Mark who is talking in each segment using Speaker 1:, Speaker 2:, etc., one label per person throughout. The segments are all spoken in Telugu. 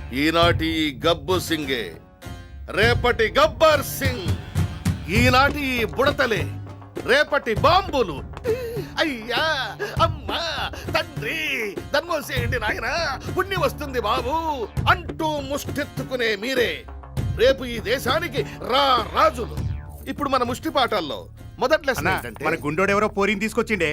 Speaker 1: ఈనాటి ఈ గబ్బు సింగే రేపటి గబ్బర్ సింగ్. ఈనాటి ఈ బుడతలే రేపటి బాంబులు. అయ్యా అమ్మా తండ్రి ధర్మోసేయండి నాయనా, పుణ్యం వస్తుంది బాబు అంటూ ముష్టెత్తుకునే మీరే రేపు ఈ దేశానికి రాజులు. ఇప్పుడు మన ముష్టి పాఠాల్లో మొదటి లెసన్ ఏంటంటే,
Speaker 2: మన గుండోడెవరో పోరిని తీసుకొచ్చిండే.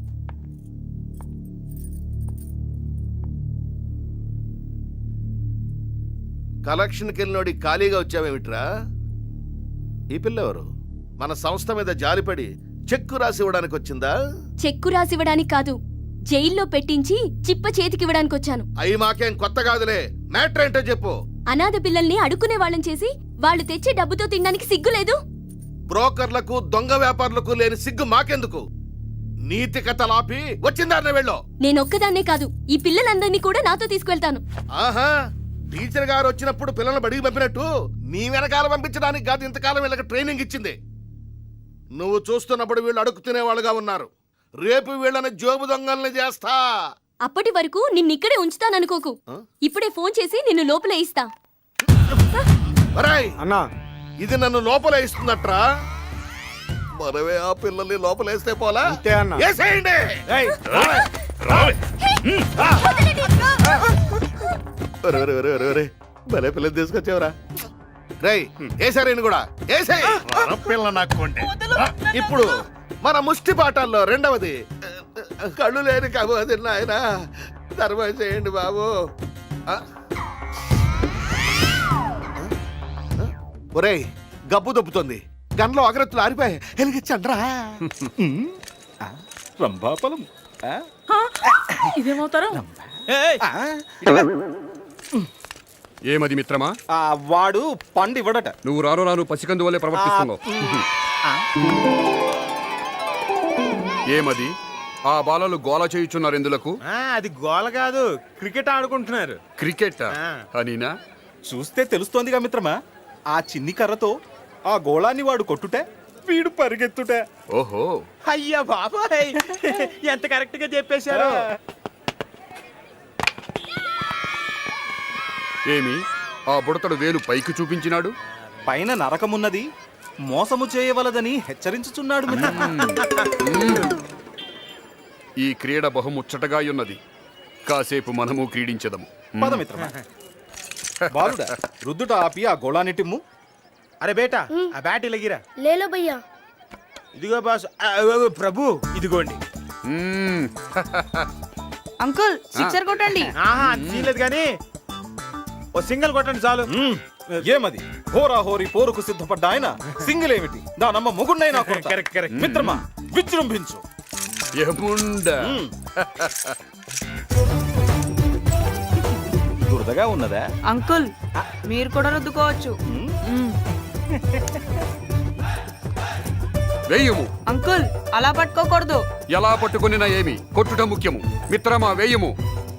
Speaker 1: కలెక్షన్కి వెళ్ళినోడి ఖాళీగా వచ్చావేమిట్రా? ఈ పిల్ల ఎవరు? మన సంస్థ మీద జాలిపడి చెక్కు రాసి ఇవ్వడానికి వచ్చిందా?
Speaker 3: చెక్కు రాసివ్వడానికి కాదు, జైల్లో పెట్టించి చిప్ప చేతికివ్వడానికి వచ్చాను.
Speaker 1: అయి మాకేం కొత్త కాదులే, మ్యాటర్ ఏంటో చెప్పు.
Speaker 3: అనాథ పిల్లల్ని అడుక్కునే వాళ్ళని చేసి వాళ్ళు తెచ్చే డబ్బుతో తినడానికి సిగ్గులేదు?
Speaker 1: బ్రోకర్లకు దొంగ వ్యాపారులకు లేని సిగ్గు మాకెందుకు? నీతి కథలాపి వచ్చిందారనే వెళ్ళో.
Speaker 3: నేనొక్కదాన్నే కాదు, ఈ పిల్లలందరినీ కూడా నాతో తీసుకువెళ్తాను.
Speaker 1: ఆహా, టీచర్ గారు వచ్చినప్పుడు పిల్లల్ని బడికి పంపినట్టు నీ వెనకాల పంపించడానికి కాదు ఇంతకాలం వీళ్ళకి ట్రైనింగ్ ఇచ్చింది. నువ్వు చూస్తున్నప్పుడు వీళ్ళు అడుగు తినేవాళ్ళుగా ఉన్నారు. రేపు వీళ్ళని జోబు దొంగల్ని చేస్తా.
Speaker 3: అప్పటి వరకు నిన్నిక్కడే ఉంచుతాననుకోకు. ఇప్పుడే ఫోన్ చేసి నిన్ను లోపల ఇస్తా.
Speaker 1: అన్నా, ఇది నన్ను లోపల ఇస్తున్నట్రా? మనమే ఆ పిల్లల్ని లోపలేస్తే పోలా? ఏసేయండి. భలే పిల్లలు తీసుకొచ్చావురా. రై ఏసారేని కూడా ఏసే
Speaker 2: పిల్ల నాకు.
Speaker 1: ఇప్పుడు మన ముష్టి పాఠాల్లో రెండవది కళ్ళు లేని కబోది నాయన ధర్మం చేయండి బాబు. ఒరేయ్ గబ్బు దొబ్బుతుంది, గన్లో అగరత్తులు ఆరిపోయి వెలిగించండ్రా.
Speaker 4: రంభాపలం
Speaker 5: ఇదేమవుతారు?
Speaker 6: ఏమది మిత్రమా?
Speaker 4: వాడు పండు ఇవ్వడట.
Speaker 6: నువ్వు రాను రాను పసికందు వల్లే ప్రవర్తిస్తున్నావు. ఏమది? ఆ బాలలు గోల చేయుచున్నారు ఎందులకు?
Speaker 7: అది గోల కాదు, క్రికెట్ ఆడుకుంటున్నారు.
Speaker 6: క్రికెట్ అనినా?
Speaker 4: చూస్తే తెలుస్తోందిగా మిత్రమా, ఆ చిన్ని కర్రతో ఆ గోళాన్ని వాడు కొట్టుటే వీడు పరిగెత్తుటే.
Speaker 6: ఓహో,
Speaker 7: అయ్యా బాబాయ్, ఎంత కరెక్ట్ గా చెప్పేశారు.
Speaker 6: ఏమి ఆ బుడతడు వేలు పైకి చూపించినాడు?
Speaker 4: పైన నరకమున్నది, మోసము చేయవలదని హెచ్చరించుచున్నాడు.
Speaker 6: ఈ క్రీడ బహుముచ్చటగా ఉన్నది. కాసేపు మనము క్రీడించదము.
Speaker 4: పద మిత్రమా. బాలుడా, రుద్దుట ఆపి ఆ గోళాన్ని టిమ్ము.
Speaker 7: అరే బేటా, ఆ బ్యాట్ ఇలాగిరా.
Speaker 8: లేలో భయ్యా.
Speaker 7: ఇదిగో బాస్. ప్రభు ఇదిగోండి.
Speaker 5: అంకుల్ సిక్సర్ కొట్టండి.
Speaker 7: ఆహా తీయలేదు కానీ ఓ సింగిల్ కొట్టండి చాలు.
Speaker 4: ఏమది? హోరా హోరీ పోరుకు సిద్ధపడ్డ ఆయన సింగిల్ ఏమిటి? దానమ్మ మొగున్నైనా
Speaker 7: కరెక్ట్ కరెక్ట్.
Speaker 4: మిత్రమా విజృంభించు. దురదగా ఉన్నదా
Speaker 5: అంకుల్? మీరు కూడా రుద్దుకోవచ్చు.
Speaker 6: వేయము.
Speaker 5: అంకుల్ అలా పట్టుకోకూడదు.
Speaker 6: ఎలా పట్టుకునినా ఏమి, కొట్టుట ముఖ్యము. మిత్రమా వేయము.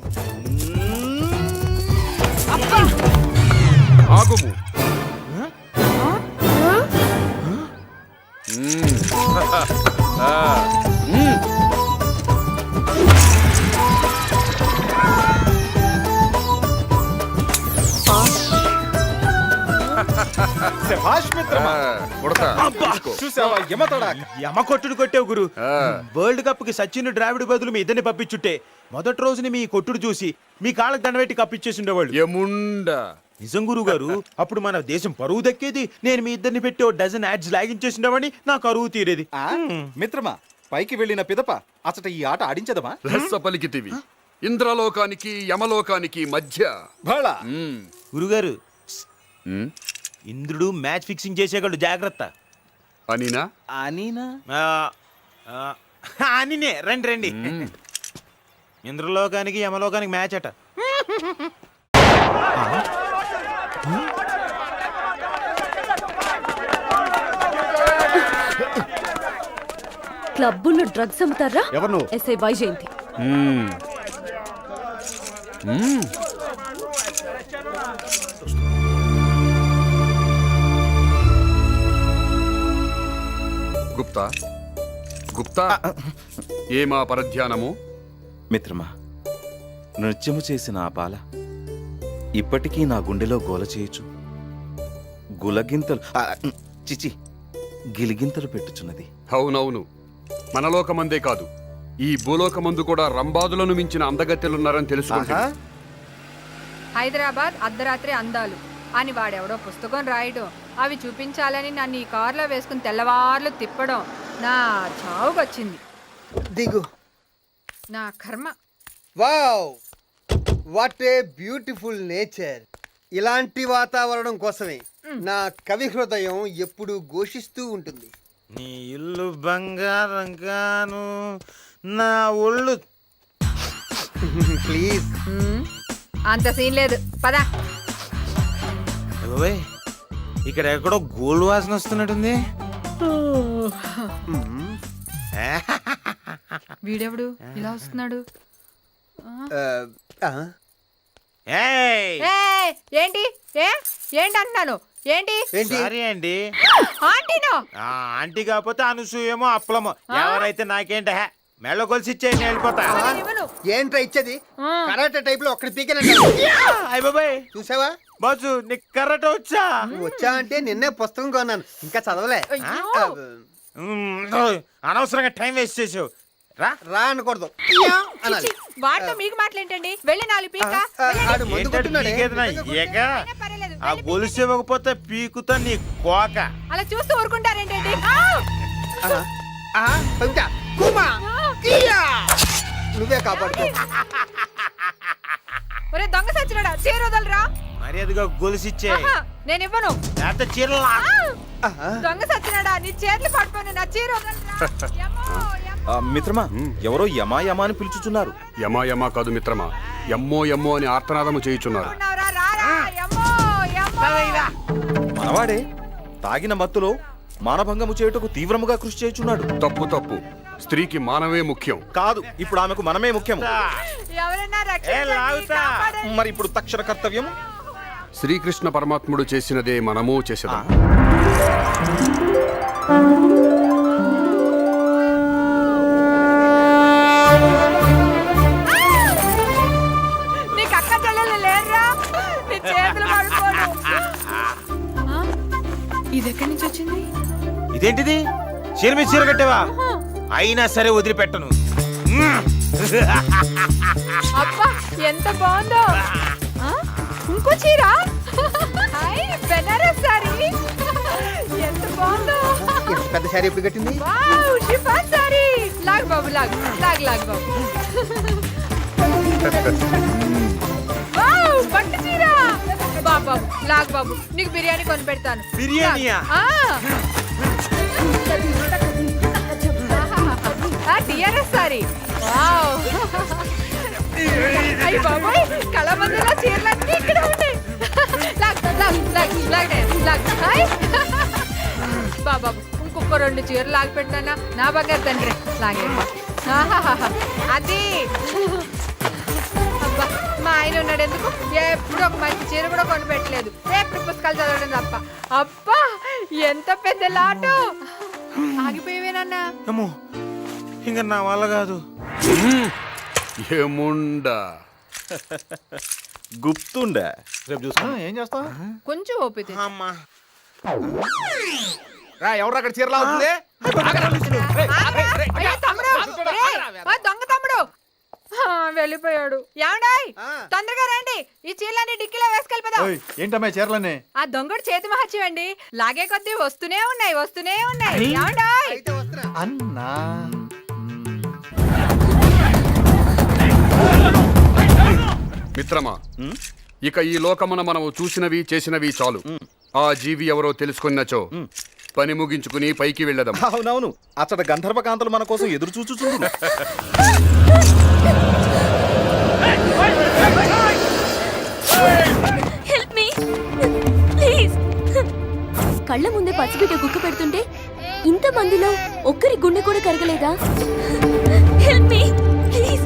Speaker 6: ఆగుము.
Speaker 4: చూసావా యమతడా?
Speaker 7: యమ కొట్టుడు కొట్టావు గురు. వరల్డ్ కప్ కి సచిన్ ద్రావిడ్ బదులు మీ ఇద్దరిని పంపించుంటే మొదటి రోజుని మీ కొట్టుడు చూసి మీ కాళ్ళకి దండబెట్టి కప్పిచ్చేసి ఉండేవాళ్ళు.
Speaker 6: యముండా.
Speaker 7: నిజం గురువు గారు, అప్పుడు మన దేశం పరువు దక్కేది. నేను మీ ఇద్దరిని పెట్టి ఓ డజన్ యాడ్స్ లాగించేసిండేవాడిని, నా కరువు తీరేది.
Speaker 4: మిత్రమా, పైకి వెళ్ళిన పిదప అసట ఈ ఆట ఆడించదమా?
Speaker 6: రహస్య పలికితివి. ఇంద్రలోకానికి యమలోకానికి మధ్య.
Speaker 7: గురుగారు, ఇంద్రుడు మ్యాచ్ ఫిక్సింగ్ చేసేవాళ్ళు, జాగ్రత్త.
Speaker 6: అనినా?
Speaker 4: అనినా?
Speaker 7: అనినే. రండి రండి. ఇంద్రలోకానికి యమలోకానికి మ్యాచ్ అట.
Speaker 3: క్లబ్బుల్లో డ్రగ్స్ అమ్ముతారా?
Speaker 2: ఎవరు?
Speaker 3: ఎస్ఐ వైజయంతి.
Speaker 6: గుప్తా, గుప్తా, ఏమా పరధ్యానము?
Speaker 4: మిత్రమా, నృత్యము చేసిన ఆ బాల
Speaker 8: ఇప్పటికీ నా గుండెలో గోల చేయొచ్చు గులగింతలు చిచి గిలిగింతలు పెట్టుచున్నది.
Speaker 6: అవునవును, మనలోకమందే కాదు, ఈ భూలోకమందు కూడా రంబాదులను మించిన అందగత్తెలున్నారని తెలుసుకుంటా.
Speaker 9: హైదరాబాద్ అర్ధరాత్రి అందాలు అని వాడెవడో పుస్తకం రాయడం, అవి చూపించాలని నన్ను ఈ కారులో వేసుకుని తెల్లవార్లు తిప్పడం నా చావుకొచ్చింది.
Speaker 10: దిగు.
Speaker 9: నా కర్మ.
Speaker 10: Wow, what a beautiful nature. ఇలాంటి వాతావరణం కోసమే నా కవి హృదయం ఎప్పుడూ ఘోషిస్తూ ఉంటుంది.
Speaker 7: నీ ఇల్లు బంగారం గాను నా ఒళ్ళు.
Speaker 10: ప్లీజ్.
Speaker 9: అంత సీన్ లేదు, పదా.
Speaker 7: బాబాయ్, ఇక్కడ ఎక్కడో గోల్డ్ వాసన వస్తున్నట్టుంది.
Speaker 9: వీడెవడు ఇలా వస్తున్నాడు?
Speaker 7: ఏయ్!
Speaker 9: ఏయ్, ఏంటి ఏంటి అంటున్నాను? ఏంటి
Speaker 7: సారీ అండి.
Speaker 9: ఆంటీనో?
Speaker 7: ఆంటీ కాకపోతే అనసూయమో అప్పలమో ఎవరైతే నాకేంట మెళ్ళ కొలిసి ఇచ్చేయండి, వెళ్ళిపోతా.
Speaker 9: ఇవ్వను.
Speaker 10: ఏంట్రా ఇచ్చేది? కరాటే టైప్ లో ఒక్కడి పీకనే
Speaker 7: అయ్య బాబాయ్,
Speaker 10: చూసావా?
Speaker 7: బాసు నీకు కర్రట వచ్చా?
Speaker 10: నువ్వు వచ్చా అంటే నిన్నే పుస్తకం కొన్నాను, ఇంకా చదవలే.
Speaker 9: అయ్యో.
Speaker 7: అనవసరంగా టైం వేస్ట్ చేసావు. రా.
Speaker 10: రా అనకూడదు అనాలి.
Speaker 9: వాటితో మీకు మాటలేంటండి? వెళ్ళి 4 పీక.
Speaker 10: ఆడు మందు
Speaker 7: ఏంటంటే
Speaker 10: కొట్టున్నాడే.
Speaker 7: పీకేదినా? ఏక?
Speaker 9: పర్వాలేదు,
Speaker 7: ఆ గొలుసు ఇవ్వకపోతే పీకుతా నీ కోక.
Speaker 9: అలా చూస్తూ ఊరుకుంటారేంటండి?
Speaker 10: పంచా, కుమా, కియా. నువ్వే కాపాడుకో.
Speaker 9: ఒరే దొంగ సచ్చినాడా, చీర వదలరా.
Speaker 7: మర్యాదగా గొలుసు ఇచ్చే,
Speaker 9: నేను ఇవ్వను.
Speaker 7: లేకపోతే చీరలా.
Speaker 9: దొంగ సచ్చినాడా, నీ చేతులు పట్టుకొని నా చీర వదలరా. యమ్మో, యమ్మో.
Speaker 8: మిత్రమా, ఎవరో యమా యమా అని పిలుచుచున్నారు.
Speaker 6: యమా యమా కాదు మిత్రమా, ఎమ్మో ఎమ్మో అని ఆర్తనాదము చేయుచున్నారు.
Speaker 9: ఉన్నావురా, రారా. యమ్మో, యమ్మో.
Speaker 8: మనవాడే తాగిన మత్తులో మానభంగము చేయుటకు తీవ్రముగా కృషి చేయుచున్నాడు.
Speaker 6: తప్పు తప్పు, స్త్రీకి మానవే ముఖ్యం.
Speaker 8: కాదు, ఇప్పుడు ఆమెకు మనమే ముఖ్యం.
Speaker 9: ఎవరన్నా
Speaker 7: ఏ
Speaker 9: రక్షించండి,
Speaker 7: లాగుతా.
Speaker 9: కాపాడండి.
Speaker 8: మరి ఇప్పుడు తక్షణ కర్తవ్యం
Speaker 6: శ్రీకృష్ణ పరమాత్ముడు చేసినదే మనము చేసేదాం.
Speaker 9: నీకు అక్క చెల్లెలు లేరురా, నీ చేతులు పడుకోను. ఇది ఎక్కడి నుంచి వచ్చింది?
Speaker 7: ఇదేంటిది? చీర మీద చీర కట్టావా? అయినా సరే వదిలిపెట్టను.
Speaker 9: అబ్బా ఎంత బాగుందో. ఆ, ఇంకో చీర. హాయ్, బెనారస్ సారీ. ఎంత బాగుందో.
Speaker 10: ఇంత పెద్ద శారీ ఎప్పుడు కట్టింది?
Speaker 9: Wow, chiffon sari. లాగ్ బాబు, లాగ్ లాగ్ లాగ్ బాబు. వావ్, పట్టు చీర. బాబు లాగ్ బాబు, నీకు బిర్యానీ కొని పెడతాను.
Speaker 7: బిర్యానీయా?
Speaker 9: టిఆర్ఎస్ సారీ. వావ్. అయ్యి బాబోయ్, కళామందులో చీరలన్నీ ఇక్కడ ఉన్నాయి. లాగ్ లాగ్ లాగ్ లాగ్ లాగ్. హాయ్ బాబు, ఇంకొక 2 చీరలు లాగి పెట్టానా నా బంగారు తండ్రి. లాగేమ్మా. అది అబ్బా, మా ఆయన ఉన్నాడు ఎందుకు? ఎప్పుడు ఒక మంచి చీర కూడా కొని పెట్టలేదు, ఎప్పుడు పుస్తకాలు చదవడం తప్ప. అబ్బా ఎంత పెద్ద లాటు. ఆగిపోయేవేనన్నా.
Speaker 7: అమ్మో, ఇంకా నా వల్ల కాదు.
Speaker 6: ఏముండా
Speaker 8: గుప్తుండా. రేపు చూసుకో. ఏం చేస్తావు?
Speaker 9: కొంచెం ఓపిక.
Speaker 7: అమ్మా,
Speaker 2: ఎవరు అక్కడ చీరలా అవుతుంది?
Speaker 9: అయ్యో, తమ్ముడు! రేయ్, ఆ దొంగ తమ్ముడు వెళ్ళిపోయాడు. ఏమండాయ్, తొందరగా రండి, ఈ చీరలన్నీ డిక్కీలో వేసుకెళ్ళిపోదాం.
Speaker 2: ఏంటమ్మా చీరలన్నీ?
Speaker 9: ఆ దొంగడు చేతి మహత్యం అండి. లాగే కొద్దీ వస్తూనే ఉన్నాయి, వస్తూనే ఉన్నాయి. ఏమండాయ్?
Speaker 10: అయితే వస్తున్నా.
Speaker 2: అన్నా
Speaker 6: మిత్రమా, ఇక ఈ లోకమున మనము చూసినవి చేసినవి చాలు. ఆ జీవి ఎవరో తెలుసుకున్నచో పని ముగించుకుని పైకి వెళ్ళదాం.
Speaker 8: అవునవును, అచ్చట గంధర్వ కాంతలు మన కోసం ఎదురు చూచుచుండు.
Speaker 3: Help me please. కళ్ళ ముందే పసిబిడ్డ గుక్క పెడుతుంటే ఇంత మందిలో ఒక్కరి గుండె కూడా కరగలేదా? Help me please.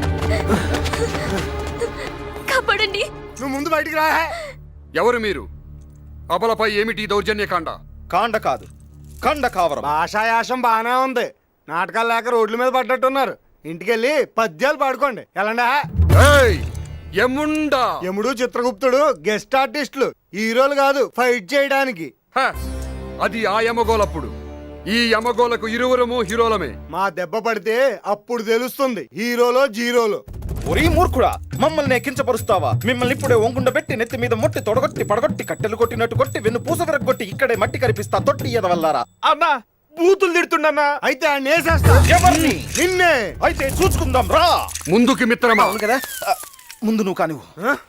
Speaker 3: కాపాడండి.
Speaker 2: నువ్వు ముందు బయటికి రా.
Speaker 6: ఎవరు మీరు? అబలపై ఏమిటి దౌర్జన్యకాండ?
Speaker 8: కాండ కాదు, కండ కావరం.
Speaker 2: భాషాయాసం బాగానే ఉంది. నాటకాలు లేక రోడ్ల మీద పడ్డట్టున్నారు. ఇంటికెళ్ళి పద్యాలు పాడుకోండి. ఎలాండా?
Speaker 6: ఏయ్! యముండా.
Speaker 2: యముడు చిత్రగుప్తుడు గెస్ట్ ఆర్టిస్టులు, హీరోలు కాదు ఫైట్ చేయడానికి.
Speaker 6: హ, అది ఆ యమగోలప్పుడు. ఈ యమగోలకు ఇరువురము హీరోలమే.
Speaker 2: మా దెబ్బ పడితే అప్పుడు తెలుస్తుంది హీరోలో జీరోలో.
Speaker 8: ఒరీ మూర్ఖుడా, మమ్మల్ని కించపరుస్తావా? మిమ్మల్ని ఇప్పుడే ఒంగుండ పెట్టి నెత్తి మీద మొట్టి తొడగొట్టి పడగొట్టి కట్టెలు కొట్టినట్టు కొట్టి వెన్ను పూస విరగొట్టి ఇక్కడే మట్టి కరిపిస్తా తొట్టి ఎదవల్లారా.
Speaker 7: అన్నా బూతులు తిడుతున్నా.
Speaker 2: అయితే ఆయన వేసేస్తా.
Speaker 8: ఎవరిని?
Speaker 2: నిన్నే.
Speaker 8: అయితే చూసుకుందాం రా.
Speaker 6: ముందుకి మిత్రమా.
Speaker 8: అవును కదా, ముందు నువ్వు కానివ్వు.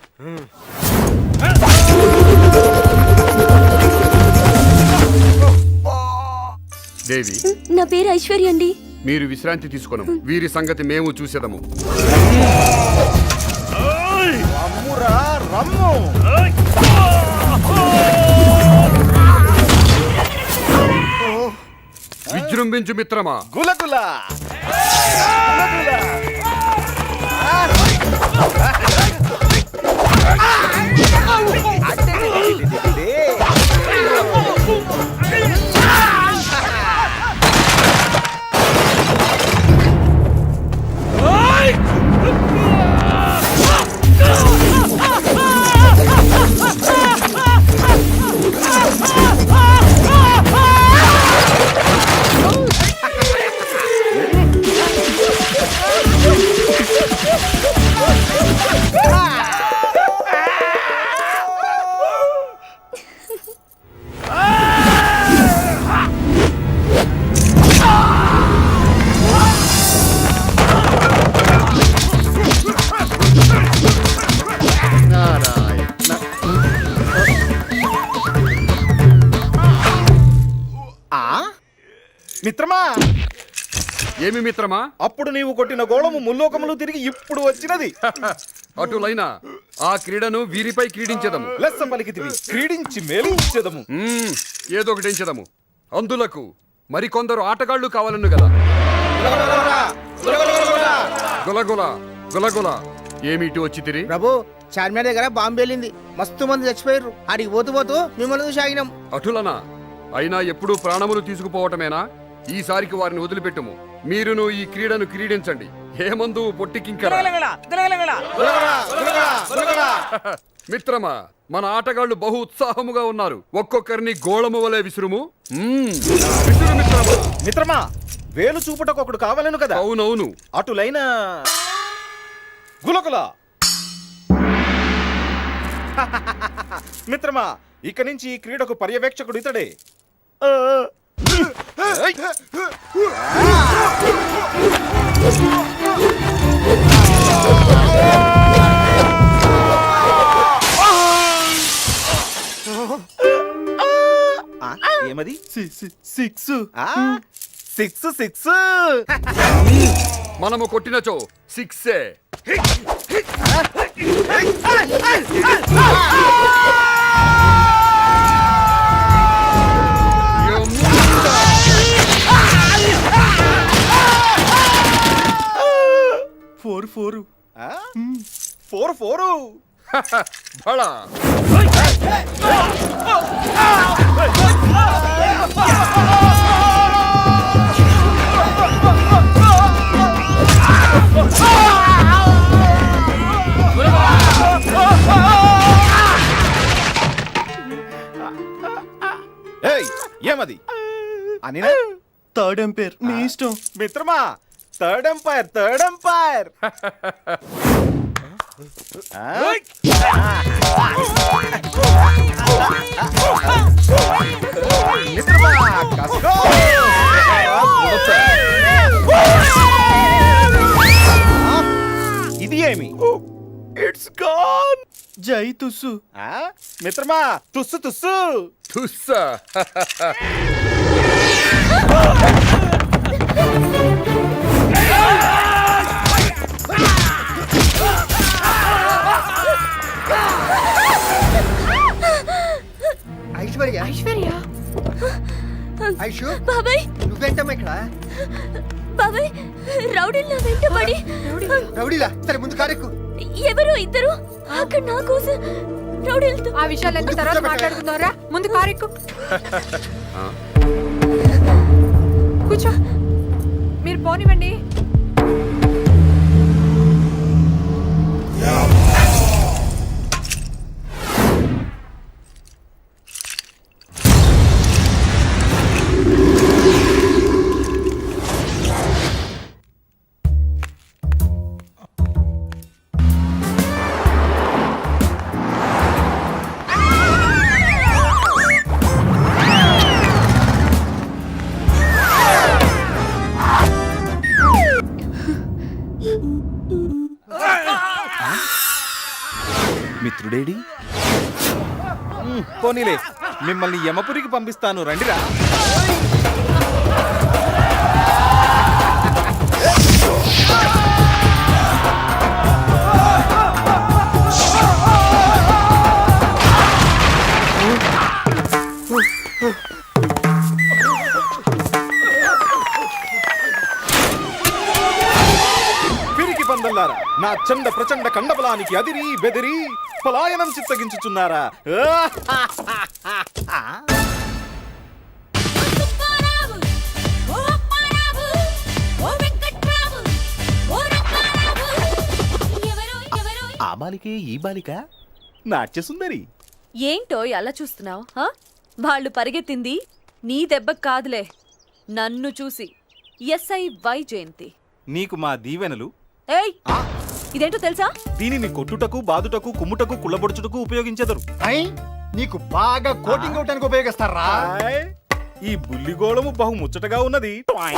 Speaker 6: దేవి,
Speaker 3: నా పేరు ఐశ్వర్య అండి.
Speaker 6: మీరు విశ్రాంతి తీసుకున్నాం. వీరి సంగతి మేము చూసేదము.
Speaker 8: రమ్మురా రమ్ము.
Speaker 6: విజృంభించు మిత్రమా.
Speaker 8: గులగుల మిత్రమా.
Speaker 6: ఏమి మిత్రమా.
Speaker 8: అప్పుడు నీవు కొట్టిన గోళము ముల్లోకములు తిరిగి ఇప్పుడు వచ్చినది.
Speaker 6: అటులైనా ఆ క్రీడను వీరిపై క్రీడించదము.
Speaker 8: లెస్స పలికితివి, క్రీడించి మేలించెదము.
Speaker 6: ఏదో ఒకటించదము. అందులకు మరికొందరు ఆటగాళ్లు కావాలను కదా. గులగుల గులగుల. ఏమిటి వచ్చి తిరిగి.
Speaker 10: ప్రభు, చార్మినార్ దగ్గర బాంబు వెళ్ళింది, మస్తు మంది చచ్చిపోయారు. ఆడికి పోతూ పోతూ మిమ్మల్ని చూసి ఆగినాం.
Speaker 6: అటులనా. అయినా ఎప్పుడూ ప్రాణములు తీసుకుపోవటమేనా. ఈసారికి వారిని వదిలిపెట్టుము. మీరును ఈ క్రీడను క్రీడించండి. హేమందు పొట్టికింకరా. మిత్రమా, మన ఆటగాళ్లు బహు ఉత్సాహముగా ఉన్నారు. ఒక్కొక్కరిని గోళము వలె విసురుము. విసురు మిత్రమా.
Speaker 8: మిత్రమా, వేలు చూపుటకు ఒకడు కావాలను కదా.
Speaker 6: అవునవును.
Speaker 8: అటులైన గులగుల. మిత్రమా, ఇక నుంచి ఈ క్రీడకు పర్యవేక్షకుడు ఇతడే. ఏమది?
Speaker 7: సిక్స్.
Speaker 8: Six six.
Speaker 6: మనము కొట్టినచో సిక్సే.
Speaker 7: Four four.
Speaker 8: Four four.
Speaker 6: బళా.
Speaker 8: ఏమది? అని
Speaker 7: థర్డ్ ఎంపైర్, మీ ఇష్టం.
Speaker 8: మిత్రమా, థర్డ్ ఎంపైర్, థర్డ్ ఎంపైర్. మిత్రమా, కసుకో. ఇది ఏమి?
Speaker 7: It's gone. జై తుస్సు.
Speaker 8: మిత్రమా, తుస్సు తుస్సు.
Speaker 6: తుస్సా.
Speaker 10: ఐశ్వర్య,
Speaker 3: ఐశ్వర్య.
Speaker 10: ఐషు,
Speaker 3: బాబాయ్,
Speaker 10: నువ్వేంటమ్మా ఇక్కడ?
Speaker 3: బాబాయ్, రౌడీలు నా వెంటబడి.
Speaker 10: రౌడీలా? సరే ముందు కారెక్కు.
Speaker 3: ఎవరు ఇద్దరు అక్కడ నా కోసం రౌడీలతో.
Speaker 9: ఆ విషయాలన్నీ తర్వాత మాట్లాడుకుందాంరా. ముందు కారెక్కు. కూర్చో. మీరు పోనివ్వండి.
Speaker 4: మిత్రుడేడి పోనీలే, మిమ్మల్ని యమపురికి పంపిస్తాను, రండిరా. పిరికి పందల్లారా, నా చండ ప్రచండ కండబలానికి అదిరి బెదిరి పలాయనం చిత్తగించుచున్నారా? ఆ బాలికే ఈ బాలిక నాట్య సుందరి.
Speaker 3: ఏంటో అలా చూస్తున్నావు? వాళ్ళు పరిగెత్తింది నీ దెబ్బకు కాదులే, నన్ను చూసి. ఎస్ఐ వైజయంతి.
Speaker 4: నీకు మా దీవెనలు.
Speaker 3: ఏయ్, ఇదేంటో తెలుసా?
Speaker 4: దీనిని కొట్టుటకు బాదుటకు కుమ్ముటకు కుళ్ళబొడుచుటకు ఉపయోగించెదరు.
Speaker 2: నీకు బాగా కోటింగ్ అవటానికి ఉపయోగిస్తారా?
Speaker 4: హాయ్, ఈ బుల్లిగోళము బహు ముచ్చటగా ఉన్నది.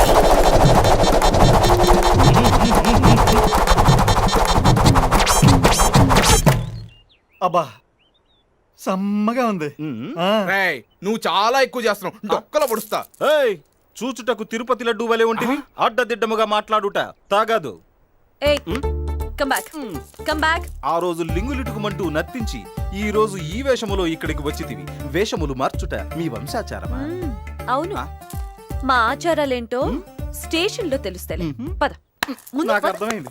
Speaker 2: అబ్బా సమ్మగా ఉంది.
Speaker 8: రేయ్, నువ్వు చాలా ఎక్కువ చేస్తున్నావు, డొక్కలో పొడుస్తా.
Speaker 4: ఏయ్, చూచుటకు తిరుపతి లడ్డు వలె ఉంటివి, అడ్డదిడ్డముగా మాట్లాడుట తాగదు.
Speaker 3: ఏయ్, కమ్ బ్యాక్, కమ్ బ్యాక్.
Speaker 4: ఆ రోజు లింగులిటుకుమంటూ నర్తించి ఈ రోజు ఈ వేషములో ఇక్కడికి వచ్చితివి. వేషములు మార్చుట మీ వంశాచారమా?
Speaker 3: అవును, మా ఆచారాలేంటో స్టేషన్ లో తెలుస్తాయి. పద, ముందు
Speaker 4: నాకు
Speaker 3: పద.
Speaker 4: అర్థమైంది.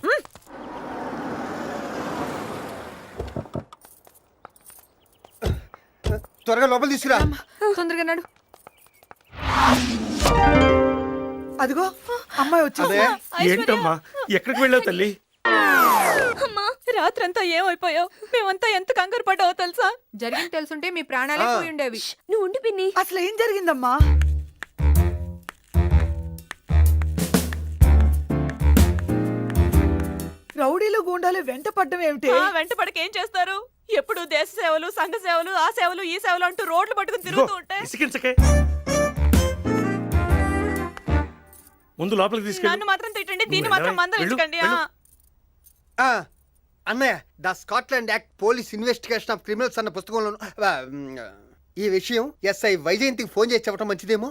Speaker 2: త్వరగా లోపల తీసుకురా.
Speaker 5: తొందరగా నడు.
Speaker 10: అదిగో అమ్మాయి వచ్చింది.
Speaker 7: ఏంటమ్మా ఎక్కడికి వెళ్ళావు తల్లి?
Speaker 3: అమ్మా, రాత్రంతా ఏమైపోయావు? మేమంతా ఎంత కంగారు పడ్డావో తెలుసా?
Speaker 9: జరిగింది తెలుసుంటే మీ ప్రాణాలే పోయి ఉండేవి.
Speaker 3: నువ్వు ఉండి పిన్ని.
Speaker 5: అసలు ఏం జరిగిందమ్మా? రౌడీలు గూండాలు వెంట పడ్డం ఏమిటి?
Speaker 3: వెంట పడకేం చేస్తారు? ఎప్పుడు దేశ సేవలు, సంఘ సేవలు, ఆ సేవలు, ఈ సేవలు అంటూ రోడ్లు పట్టుకుని తిరుగుతూ ఉంటే
Speaker 7: ఇసికించకే, ముందు లోపలికి తీసుకెళ్ళు.
Speaker 3: నన్ను మాత్రం తిట్టండి, దీన్ని మాత్రం మందలించకండి.
Speaker 2: అన్నయ్య, the Scotland act police investigation of criminals అన్న పుస్తకంలో ఈ విషయం ఎస్ఐ వైజయంతికి ఫోన్ చేసి చెప్పడం మంచిదేమో.